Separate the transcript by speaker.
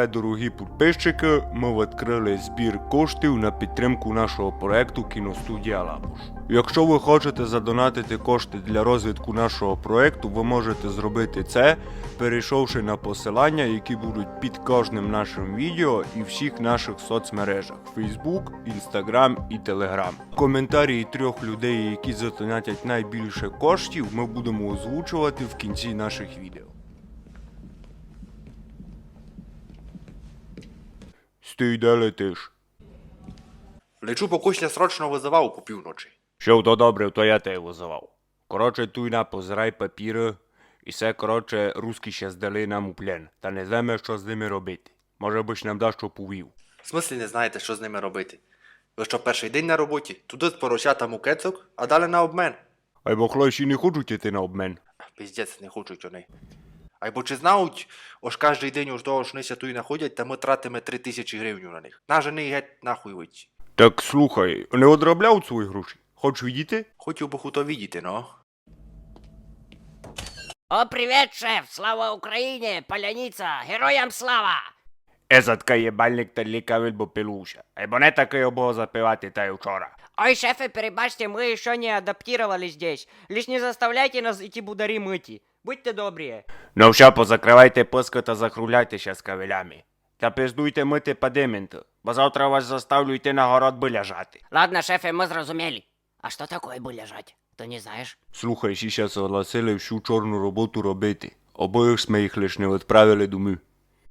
Speaker 1: тепер, дорогі підписчики, ми відкрили збір коштів на підтримку нашого проекту «Кіностудія Лапуш». Якщо ви хочете задонатити кошти для розвитку нашого проекту, ви можете зробити це, перейшовши на посилання, які будуть під кожним нашим відео і всіх наших соцмережах – Facebook, Instagram і Telegram. Коментарі трьох людей, які задонатять найбільше коштів, ми будемо озвучувати в кінці наших відео. Стій, де летиш?
Speaker 2: Лечу, бо Кузня срочно визивав по півночі.
Speaker 1: Що то добре, то я тебе визивав. Коротше, туйна позирай папіри, і все, коротше, русські ще здали нам у плен. Та не знаємо, що з ними робити. Може биш нам дасть що повів.
Speaker 2: В смислі не знаєте, що з ними робити? Ви що, перший день на роботі? Туди з поросятам у кецок, а далі на обмен.
Speaker 1: Ай бо хлопці не хочуть іти на обмен.
Speaker 2: Піздець, не хочуть вони. А бо чи знають, ось кожний день уж того шнися туй находять, та ми тратимо 3000 гривень на них. На жени геть нахуй вийти.
Speaker 1: Так слухай, не одробляв свої гроші? Хочеш відійти?
Speaker 2: Хотів би хуто видіти, но.
Speaker 3: О, привет, шеф! Слава Україні! Паляниця! Героям слава!
Speaker 1: Езатка єбальник та лікавель бо пилуша. Ай бо не таке обого запивати та й вчора.
Speaker 3: Ой, шефы, перебачьте, мы еще не адаптировали здесь. Лишь не заставляйте нас эти будари мыти. Будьте добрые.
Speaker 1: Ну все, позакривайте писка та захруляйтеся з кавелями. Та пиздуйте мити падименту, бо завтра вас заставлю йти на город би ляжати.
Speaker 3: Ладно, шефы, мы зрозумели. А что такое бы лежать? Ты не знаешь?
Speaker 1: Слухай, ще согласили всю чорну роботу робити. Обоїх ми їх лиш не відправили домой.